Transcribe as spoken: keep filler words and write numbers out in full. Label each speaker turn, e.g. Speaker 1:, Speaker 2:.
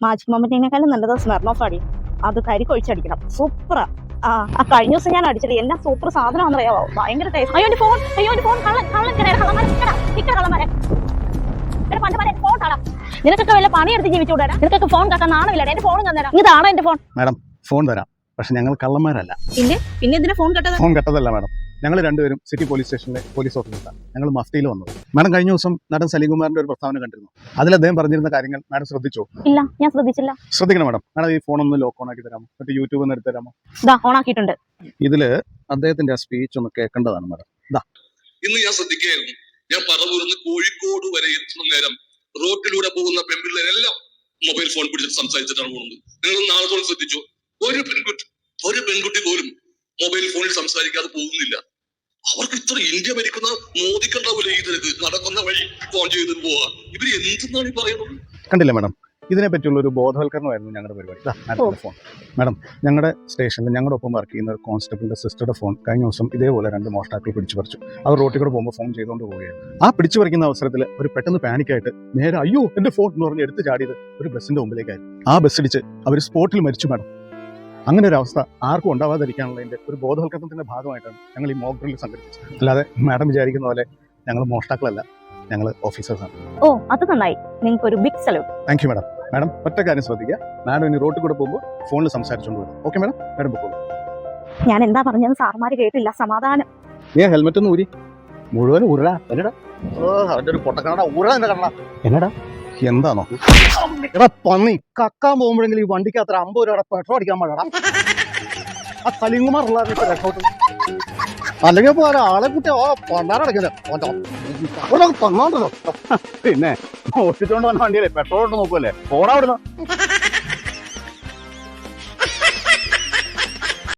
Speaker 1: Magic മൊമെന്റിനേക്കാളും നല്ലത് സ്മെർണോഫ് അടി. അത് കരിക്കൊഴിച്ചടിക്കണം. സൂപ്പറാ. ആ ആ കഴിഞ്ഞ ദിവസം ഞാൻ അടിച്ചത് എന്നാ സൂപ്പർ സാധനമാണെന്ന് അറിയാവോ? ഭയങ്കര ടേസ്റ്റ്. അയ്യോ എന്റെ ഫോൺ, അയ്യോ എന്റെ ഫോൺ കള്ളൻ കള്ളൻ കള്ളന്മാരെ കള്ളന്മാരെ ഫോൺ കാണാം. നിനക്കൊക്കെ വല്ല പണിയെടുത്ത് ജീവിച്ചുകൂടാ? നിനക്കൊക്കെ ഫോൺ കാക്കാൻ നാണമില്ല. എന്റെ ഫോൺ തന്നേരാ. ഇതാണോ എന്റെ ഫോൺ?
Speaker 2: മാഡം ഫോൺ തരാം, പക്ഷെ ഞങ്ങൾ കള്ളന്മാരല്ല.
Speaker 1: പിന്നെ പിന്നെ ഇതിന് ഫോൺ കട്ടത്?
Speaker 2: ഫോൺ കട്ടതല്ല മാഡം, ഞങ്ങൾ രണ്ടുപേരും സിറ്റി പോലീസ് സ്റ്റേഷനിലെ പോലീസ് ഓഫീസറാണ്. ഞങ്ങൾ മഫ്തിയിൽ വന്നത്. മാഡം കഴിഞ്ഞ ദിവസം നടൻ സലീംകുമാറിന്റെ ഒരു പ്രസ്താവന കണ്ടിരുന്നു. അതിൽ അദ്ദേഹം പറഞ്ഞിരുന്ന കാര്യങ്ങൾ മാഡം ശ്രദ്ധിച്ചോ?
Speaker 1: ഇല്ല, ഞാൻ ശ്രദ്ധിച്ചില്ല.
Speaker 2: ശ്രദ്ധിക്കണം മാഡം. മാഡം ഈ ഫോൺ ഒന്ന് ലോക്ക് ഓൺ ആക്കി തരാമോ? മറ്റേ യൂട്യൂബ് ഒന്ന് എടുത്ത് തരാമോ?
Speaker 1: ഇതാ ഓൺ ആക്കിയിട്ടുണ്ട്.
Speaker 2: ഇതില് അദ്ദേഹത്തിന്റെ ആ സ്പീച്ച് ഒന്ന് കേൾക്കേണ്ടതാണ് മാഡം. ഇതാ
Speaker 3: ഇന്ന് ഞാൻ ശ്രദ്ധിക്കുകയായിരുന്നു. ഞാൻ പറവൂർന്ന് കോഴിക്കോട് വരെ എത്തുന്ന നേരം റോഡിലൂടെ പോകുന്ന പെൺപിള്ളേരെല്ലാം മൊബൈൽ ഫോൺ പിടിച്ചിട്ട് സംസാരിച്ചിട്ടാണ് പോകുന്നത്. നിങ്ങൾ നാളെ തോളം ശ്രദ്ധിച്ചോ? ഒരു പെൺകുട്ടി ഒരു പെൺകുട്ടി പോലും മൊബൈൽ ഫോണിൽ സംസാരിക്കാതെ പോകുന്നില്ല. അവർക്ക് ഇത്ര ഇന്ത്യ ഭരിക്കുന്ന മോദിക്കുണ്ടാവില്ല ഈ തിരക്ക് നടക്കുന്ന വഴി ഫോൺ ചെയ്ത് പോവാ. ഇവര് എന്തെന്നാണ് ഈ പറയുന്നത്?
Speaker 2: കണ്ടില്ല മാഡം, ഇതിനെ പറ്റിയുള്ള ഒരു ബോധവൽക്കരണമായിരുന്നു ഞങ്ങളുടെ പരിപാടി. മാഡത്തിന്റെ ഫോൺ. മാഡം, ഞങ്ങളുടെ സ്റ്റേഷനിൽ ഞങ്ങളുടെ ഒപ്പം വർക്ക് ചെയ്യുന്ന ഒരു കോൺസ്റ്റബിളിന്റെ സിസ്റ്ററുടെ ഫോൺ കഴിഞ്ഞ ദിവസം ഇതേപോലെ രണ്ട് മോഷ്ടാക്കൾ പിടിച്ചു പറിച്ചു. അവർ റോട്ടിൽ കൂടെ പോകുമ്പോൾ ഫോൺ ചെയ്തുകൊണ്ട് പോവുകയാണ്. ആ പിടിച്ചു പറിക്കുന്ന അവസരത്തിൽ ഒരു പെട്ടെന്ന് പാനിക്കായിട്ട് നേരെ അയ്യോ എന്റെ ഫോൺ എന്ന് പറഞ്ഞ് എടുത്ത് ചാടിയത് ഒരു ബസ്സിന്റെ മുമ്പിലേക്കായിരുന്നു. ആ ബസ് ഇടിച്ച് അവർ സ്പോട്ടിൽ മരിച്ചു മാഡം. അങ്ങനെ ഒരു അവസ്ഥ ആർക്കും ഉണ്ടാവാതിരിക്കാനുള്ളതിന്റെ ഒരു ബോധവൽക്കരണത്തിന്റെ ഭാഗമായിട്ടാണ് ഞങ്ങൾ ഈ മോക്ക് ഡ്രിൽ സംഘടിപ്പിച്ചത്. അല്ലാതെ മാഡം വിചാരിക്കുന്ന പോലെ ഞങ്ങൾ മോഷ്ടാക്കളല്ല, ഞങ്ങൾ ഓഫീസേഴ്സാണ്.
Speaker 1: ഓ അത് നന്നായി. നിങ്ങൾക്ക് ഒരു big salute.
Speaker 2: Thank you madam. Madam ഒറ്റ കാര്യം ശ്രദ്ധിക്കുക, മാഡം ഇനി റോട്ടിൽ കൂടെ പോകുമ്പോൾ ഫോണിൽ സംസാരിച്ചുകൊണ്ട് വരും. Okay madam? മാഡം പൊക്കോളൂ.
Speaker 1: ഞാൻ എന്താ പറഞ്ഞത് സാർമാര് കേട്ടില്ല. സമാധാനം.
Speaker 2: നീ ഹെൽമെറ്റ് ഒന്ന് ഊരി. മുഴുവൻ ഉരുള എന്നടാ. ഓ അവന്റെ ഒരു പൊട്ടക്കണ ഉരുള എന്നെ കണ്ണ എന്നടാ. എന്താണോ എടാ പന്നി, കക്കാൻ പോകുമ്പോഴെങ്കിലും ഈ വണ്ടിക്ക് അത്ര അമ്പത് രൂപ പെട്രോൾ അടിക്കാൻ പാടാ. ആ സലീംകുമാറുള്ള രക്ഷോട്ട് അല്ലെങ്കിൽ ഇപ്പൊ ഒരാളെ കുട്ടി ഓ പണ്ടാരടക്കില്ല തന്നോണ്ടല്ലോ. പിന്നെ ഓടിച്ചോണ്ട് വന്ന വണ്ടിയല്ലേ പെട്രോൾ ഇട്ട് നോക്കുമല്ലേ. പോടാ അവിടുന്ന്.